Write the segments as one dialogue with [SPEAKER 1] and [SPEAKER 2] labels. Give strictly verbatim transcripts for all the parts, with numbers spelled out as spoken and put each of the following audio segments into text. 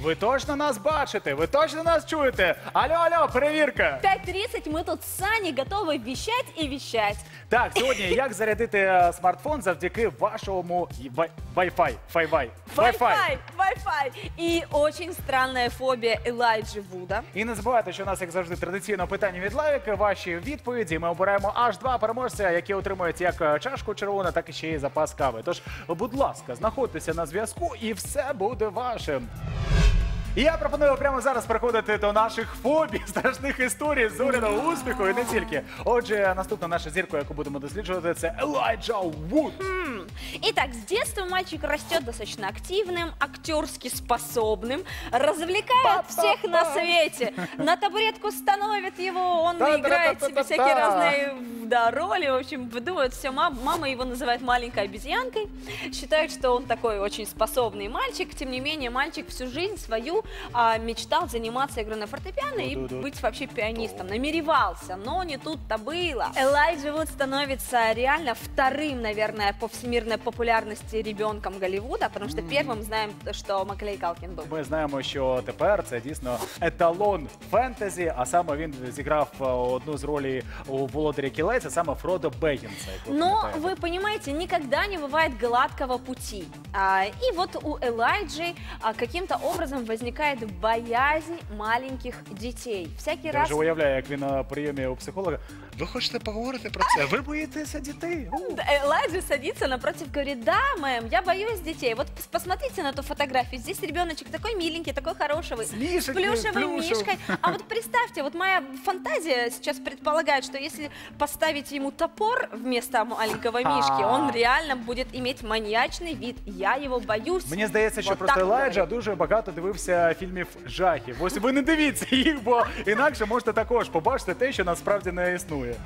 [SPEAKER 1] Ви точно нас бачите? Ви точно нас чуєте? Алло, алло, перевірка!
[SPEAKER 2] пять тридцать мы тут с Саней готовы вещать и вещать.
[SPEAKER 1] Так, сьогодні як зарядити е, смартфон завдяки вашому вай- Wi-Fi? Wi-Fi.
[SPEAKER 2] Wi-Fi, Wi-Fi. И очень странная фобия Элайджи Вуда.
[SPEAKER 1] І не забувайте, що у нас, як завжди, традиційно питання від лайк, ваші відповіді. Ми обираємо аж два переможця, які отримують як е, чашку червону, так і ще й запас кави. Тож, будь ласка, знаходьтеся на зв'язку і все буде вашим. І я пропоную прямо зараз переходити до наших фобій, страшних історій, зоряного успіху і не тільки. Отже, наступна наша зірка, яку будемо досліджувати, це Елайджа Вуд.
[SPEAKER 2] Итак, с детства мальчик растет достаточно активным, актерски способным, развлекает всех на свете. На табуретку становит его, он играет себе всякие разные да, роли. В общем, выдумывает все. Мама его называет маленькой обезьянкой. Считают, что он такой очень способный мальчик. Тем не менее, мальчик всю жизнь свою а, мечтал заниматься игрой на фортепиано и быть вообще пианистом. Намеревался, но не тут-то было. Элайджа Вуд становится реально вторым, наверное, по всемирной популярности ребенком Голливуда, потому что первым знаем, что Маклей Калкін був.
[SPEAKER 1] Ми знаємо, що тепер це дійсно еталон фентезі, а саме він зіграв е, одну з ролей у «Володарі кілець», а саме Фродо Беггінса. як ви
[SPEAKER 2] Но
[SPEAKER 1] пам'ятаєте.
[SPEAKER 2] вы понимаете, никогда не бывает гладкого пути. А, и вот у Элайджи а, каким-то образом возникает боязнь маленьких детей. Всякий
[SPEAKER 1] Я
[SPEAKER 2] раз...
[SPEAKER 1] вже уявляю, як він на прийомі у психолога. Ви хочете поговорити про це? Ви боїтеся дітей? У.
[SPEAKER 2] Элайджа садится напротив, говорит: да, мэм, я боюсь детей. Вот пос- посмотрите на ту фотографию. Здесь ребеночек такой миленький, такой хороший,
[SPEAKER 1] С
[SPEAKER 2] с
[SPEAKER 1] мишкой,
[SPEAKER 2] плюшевым
[SPEAKER 1] плюшевым.
[SPEAKER 2] мишкой. А вот представьте, вот моя фантазия сейчас предполагает, что если поставить ему топор вместо маленького мишки, он реально будет иметь маньячный вид. Я его боюсь.
[SPEAKER 1] Мені здається, що
[SPEAKER 2] Вот
[SPEAKER 1] просто
[SPEAKER 2] так
[SPEAKER 1] Елайджа
[SPEAKER 2] говорить.
[SPEAKER 1] дуже багато дивився фільмів жахів. Ось ви не дивіться їх, бо інакше можете також побачити те, що насправді не існує.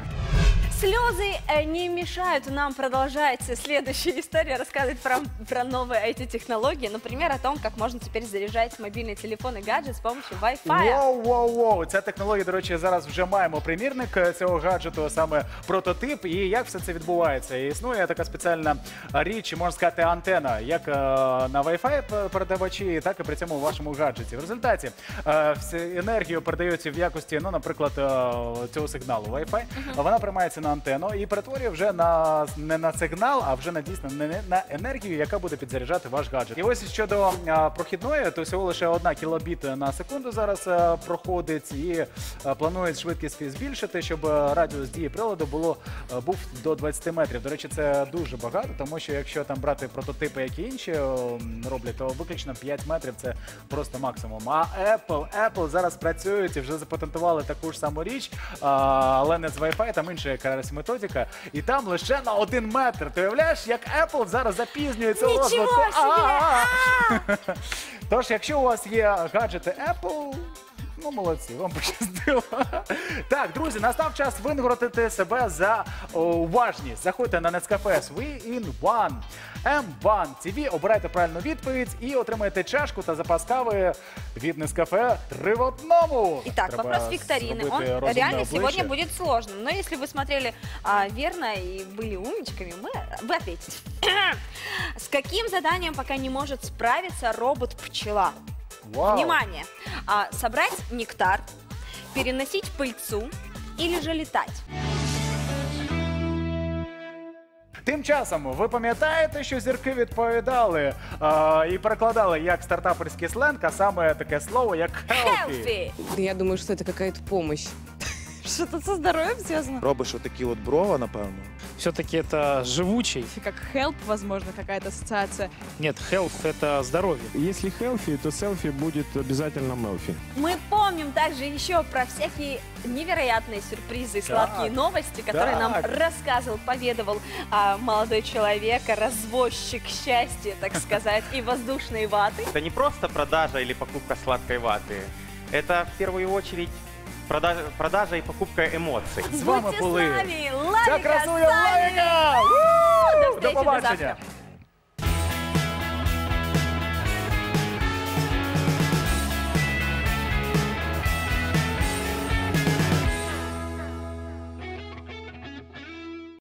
[SPEAKER 2] Слезы э, не мешают нам продолжать следующую историю, рассказывать про, про новые ай ти-технологии. Например, о том, как можно теперь заряжать мобильный телефон и гаджет с помощью Wi-Fi.
[SPEAKER 1] Воу-воу-воу! Ця технологія, до речі, зараз вже маємо примірник цього гаджету, саме прототип. І як все це відбувається? І існує така спеціальна річ, можна сказати, антена, як е, на Wi-Fi передавачі, так і при цьому у вашому гаджеті. В результаті е, всю енергію передається в якості, ну, наприклад, е, цього сигналу Wi-Fi. Вона приймається на антенну і перетворює вже на не на сигнал, а вже на дійсно не на енергію, яка буде підзаряджати ваш гаджет. І ось щодо а, прохідної, то всього лише одна кілобіт на секунду зараз а, проходить, і а, планують швидкість збільшити, щоб а, радіус дії приладу було а, був до двадцяти метрів. До речі, це дуже багато, тому що якщо там брати прототипи, які інші о, роблять, то виключно п'ять метрів це просто максимум. А Apple, Apple зараз працюють і вже запатентували таку ж саму річ, а, але не з Wi-Fi, там інша якась методика, і там лише на один метр. Ти уявляєш, як Apple зараз запізнюється у
[SPEAKER 2] Нічого
[SPEAKER 1] розвитку?
[SPEAKER 2] собі!
[SPEAKER 1] А-а-а! Тож, якщо у вас є гаджети Apple, ну, молодці, вам пощастило. Так, друзі, настав час винагородити себе за о, уважність. Заходьте на Нескафе We in One. Ем один ті ві, обирайте правильну відповідь і отримаєте чашку та запас кави від Нескафе три в одному.
[SPEAKER 2] Итак,
[SPEAKER 1] Треба
[SPEAKER 2] вопрос викторины.
[SPEAKER 1] зробити
[SPEAKER 2] Он
[SPEAKER 1] розумне
[SPEAKER 2] реально
[SPEAKER 1] обличчя.
[SPEAKER 2] сегодня будет сложным. Но если вы смотрели а, верно и были умничками, мы, вы ответите. С каким заданием пока не может справиться робот-пчела?
[SPEAKER 1] Вау.
[SPEAKER 2] Внимание! А, собрать нектар, переносить пыльцу или же летать?
[SPEAKER 1] Тим часом, ви пам'ятаєте, що зірки відповідали а, і перекладали як стартаперський сленг, а саме таке слово, як healthy.
[SPEAKER 2] Healthy.
[SPEAKER 3] Я думаю, что это какая-то помощь.
[SPEAKER 4] Что-то со здоровьем связано?
[SPEAKER 5] Робиш отакі от брова, напевно.
[SPEAKER 6] Все-таки это живучий.
[SPEAKER 4] Как help, возможно, какая-то ассоциация.
[SPEAKER 6] Нет, health – это здоровье.
[SPEAKER 7] Если healthy, то селфи будет обязательно мелфи.
[SPEAKER 2] Мы помним также еще про всякие невероятные сюрпризы и сладкие новости, которые нам
[SPEAKER 1] Так.
[SPEAKER 2] рассказывал, поведовал а, молодой человек, развозчик счастья, так сказать, и воздушной ваты.
[SPEAKER 8] Это не просто продажа или покупка сладкой ваты. Это в первую очередь продажа, продажа и покупка эмоций.
[SPEAKER 1] З вами
[SPEAKER 2] Будьте
[SPEAKER 1] були
[SPEAKER 2] с нами,
[SPEAKER 1] ця
[SPEAKER 2] Лавика,
[SPEAKER 1] красуня
[SPEAKER 2] Саня!
[SPEAKER 1] Лавіка!
[SPEAKER 2] До
[SPEAKER 1] До
[SPEAKER 2] встречи, до
[SPEAKER 1] побачення!
[SPEAKER 2] завтра.